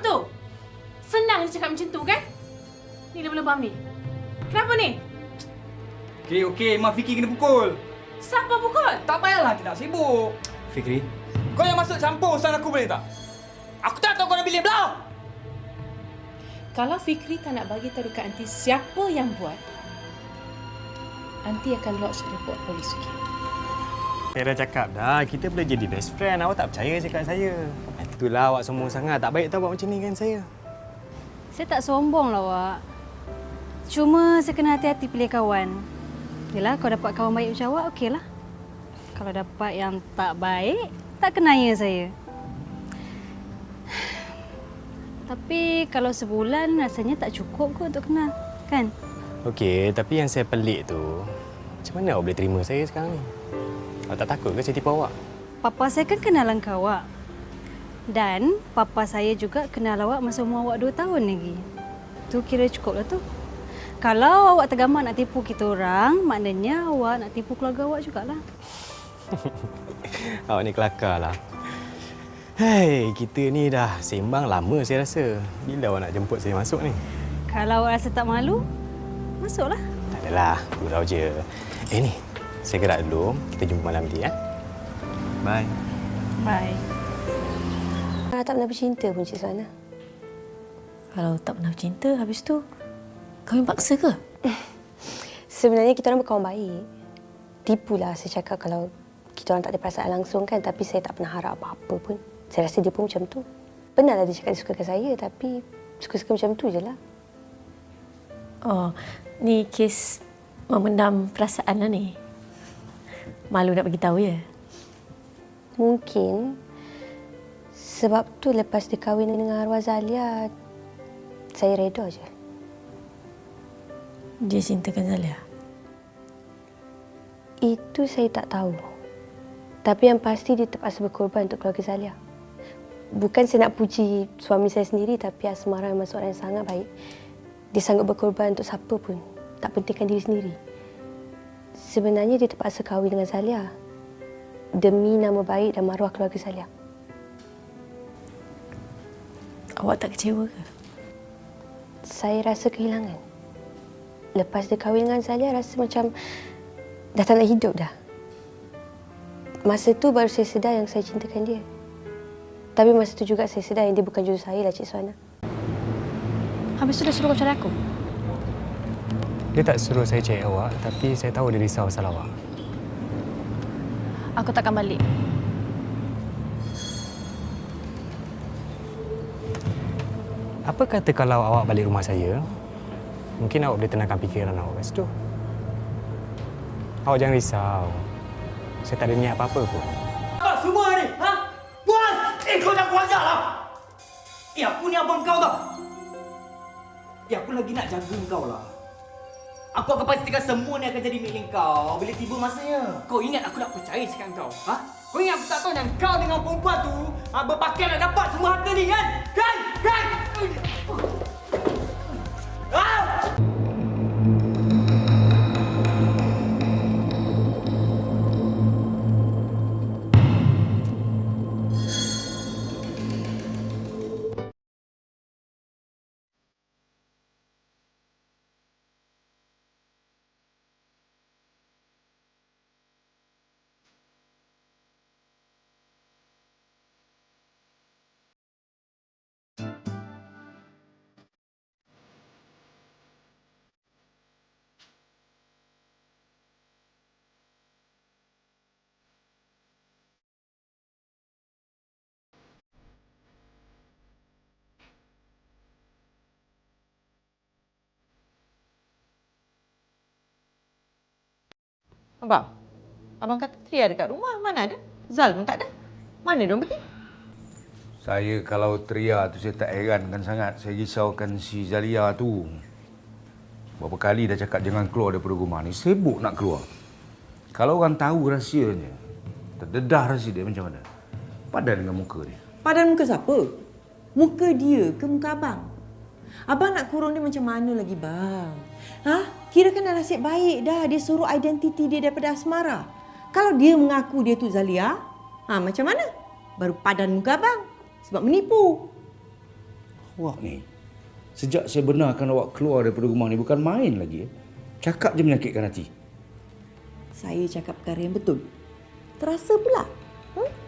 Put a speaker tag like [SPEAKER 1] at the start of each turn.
[SPEAKER 1] tu? Senang je cakap macam tu kan? Ni lebam-lebam ni. Kenapa ni?
[SPEAKER 2] Okey, Mak Fikri kena pukul.
[SPEAKER 1] Siapa pukul?
[SPEAKER 2] Tak payahlah tidak sibuk.
[SPEAKER 3] Fikri,
[SPEAKER 2] Kau yang masuk campur urusan aku boleh tak? Aku tak tahu kau nak pilih belah.
[SPEAKER 1] Kalau Fikri tak nak bagi tahu dekat Aunty siapa yang buat, Aunty akan lodge report polis, okey?
[SPEAKER 3] saya dah cakap dah, kita boleh jadi best friend. Awak tak percaya cakap saya. Itulah awak sombong sangat. Tak baik tau buat macam ni kan saya.
[SPEAKER 4] Saya tak sombong lah, Wak. Cuma saya kena hati-hati pilih kawan. Yelah, kalau dapat kawan baik macam awak, okeylah. Kalau dapat yang tak baik, tak kenanya saya. Tapi kalau sebulan rasanya tak cukup kot untuk kenal, kan?
[SPEAKER 3] Okey, tapi yang saya pelik tu, macam mana awak boleh terima saya sekarang ni? Awak tak takut ke saya tipu awak?
[SPEAKER 4] Papa saya kan kenal langkah awak. Dan papa saya juga kenal awak masa umur awak 2 tahun lagi. Tu kira cukup lah tu. Kalau awak tergamak nak tipu kita orang, maknanya awak nak tipu keluarga awak jugalah.
[SPEAKER 3] Awak ni kelakar lah. Hei, kita ni dah sembang lama saya rasa. Bila awak nak jemput saya masuk ni?
[SPEAKER 4] Kalau awak rasa tak malu, masuklah.
[SPEAKER 3] Tak adalah, gurau je. Ni, saya gerak dulu. Kita jumpa malam nanti, ya? Bye.
[SPEAKER 4] Bye.
[SPEAKER 5] Tak pernah bercinta pun Cik Suhana.
[SPEAKER 6] Kalau tak pernah bercinta, habis tu kahwin paksa ke?
[SPEAKER 5] Sebenarnya kita orang berkawan baik. Tipulah saya cakap kalau kita orang tak ada perasaan langsung kan, tapi saya tak pernah harap apa-apa pun. Saya rasa dia pun macam tu. Benarlah dia cakap dia sukakan saya, tapi suka-suka macam tu je lah.
[SPEAKER 6] Oh, ni kes memendam perasaan lah ni. Malu nak bagi tahu ya?
[SPEAKER 5] Mungkin sebab tu lepas dia kahwin dengan arwah Zalia, saya reda je.
[SPEAKER 6] Dia cintakan Zalia?
[SPEAKER 5] Itu saya tak tahu. Tapi yang pasti dia terpaksa berkorban untuk keluarga Zalia. Bukan saya nak puji suami saya sendiri, tapi Asmara memang seorang yang sangat baik. Dia sanggup berkorban untuk siapa pun. Tak pentingkan diri sendiri. Sebenarnya dia terpaksa kahwin dengan Zalia demi nama baik dan maruah keluarga Zalia.
[SPEAKER 6] Awak tak kecewa ke?
[SPEAKER 5] Saya rasa kehilangan. Lepas dia kahwin dengan Zalia, rasa macam dah tak nak hidup dah. Masa tu baru saya sedar yang saya cintakan dia. Tapi masa tu juga saya sedar yang dia bukan jodoh saya lah, Cik Suhana.
[SPEAKER 4] Habis tu dah suruh kau cari aku?
[SPEAKER 3] Dia tak suruh saya cari awak, tapi saya tahu dia risau pasal awak.
[SPEAKER 4] Aku takkan balik.
[SPEAKER 3] Apa kata kalau awak balik rumah saya, mungkin awak boleh tenangkan fikiran awak kat situ. Awak jangan risau. Saya tak ada niat apa-apa pun.
[SPEAKER 2] Apa semua ni? Ha? Puas! Kau jangan kuajar lah! Aku ni abang kau tau. Aku lagi nak jaga kau lah. Aku akan pastikan semua ni akan jadi milik kau bila tiba masanya. Kau ingat aku nak percaya cakap kau? Ha? Kau ingat aku tak tahu yang kau dengan perempuan tu berpakaian nak dapat semua harta ni kan? Kan? Kan? Ah!
[SPEAKER 7] Abang kata Tria dekat rumah. Mana ada? Zal pun tak ada. Mana dia pergi?
[SPEAKER 8] Saya kalau Tria tu saya tak herankan sangat. Saya risaukan si Zalia tu. Berapa kali dah cakap jangan keluar daripada rumah ni. Sibuk nak keluar. Kalau orang tahu rahsianya, terdedah rahsia dia macam mana? Padan dengan muka dia.
[SPEAKER 7] Padan muka siapa? Muka dia ke muka abang? Abang nak kurung dia macam mana lagi bang? Ha? Kira kan dah nasib baik dah. Dia suruh identiti dia daripada Asmara. Kalau dia mengaku dia tu Zalia, macam mana? Baru padan muka abang. Sebab menipu.
[SPEAKER 8] Awak ni, sejak saya benarkan awak keluar daripada rumah ni bukan main lagi. Cakap je menyakitkan hati.
[SPEAKER 7] Saya cakap perkara yang betul. Terasa pula.